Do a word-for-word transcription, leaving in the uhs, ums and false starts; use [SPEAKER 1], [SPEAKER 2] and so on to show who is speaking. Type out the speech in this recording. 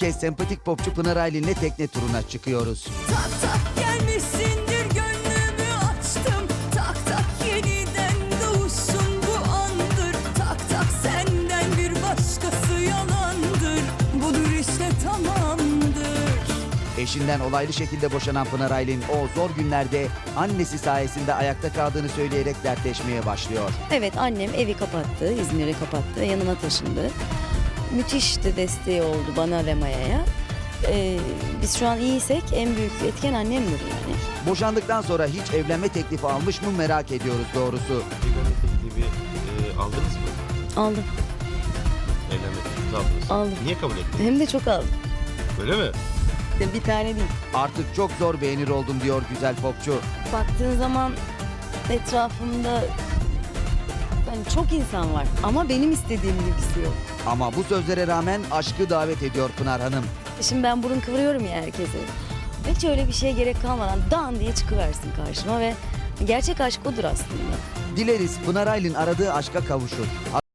[SPEAKER 1] kez sempatik popçu Pınar Aylin'le tekne turuna çıkıyoruz.
[SPEAKER 2] Tak tak gelmişsindir gönlümü açtım. Tak tak yeniden doğuşun bu andır. Tak tak senden bir başkası yalandır. Budur işte tamamdır.
[SPEAKER 1] Eşinden olaylı şekilde boşanan Pınar Aylin o zor günlerde annesi sayesinde ayakta kaldığını söyleyerek dertleşmeye başlıyor.
[SPEAKER 3] Evet, annem evi kapattı, İzmir'i kapattı ve yanıma taşındı. Müthiş de desteği oldu bana ve Maya'ya. Ee, biz şu an iyiysek en büyük etken annemdir yani.
[SPEAKER 1] Boşandıktan sonra hiç evlenme teklifi almış mı merak ediyoruz doğrusu.
[SPEAKER 4] Evlenme teklifi e, aldınız mı?
[SPEAKER 3] Aldım,
[SPEAKER 4] Evlenme teklifi aldınız.
[SPEAKER 3] Aldım.
[SPEAKER 4] Niye kabul ettiniz?
[SPEAKER 3] hem de çok aldım.
[SPEAKER 4] Öyle mi?
[SPEAKER 3] Bir tane değil.
[SPEAKER 1] Artık çok zor beğenir oldum diyor güzel popçu.
[SPEAKER 3] Baktığın zaman etrafımda yani çok insan var ama benim istediğim gibisi yok.
[SPEAKER 1] Ama bu sözlere rağmen aşkı davet ediyor Pınar Hanım.
[SPEAKER 3] Şimdi ben burun kıvırıyorum ya herkese. Hiç öyle bir şeye gerek kalmadan dan diye çıkıversin karşıma ve gerçek aşk odur aslında.
[SPEAKER 1] Dileriz Pınar Aylin aradığı aşka kavuşur.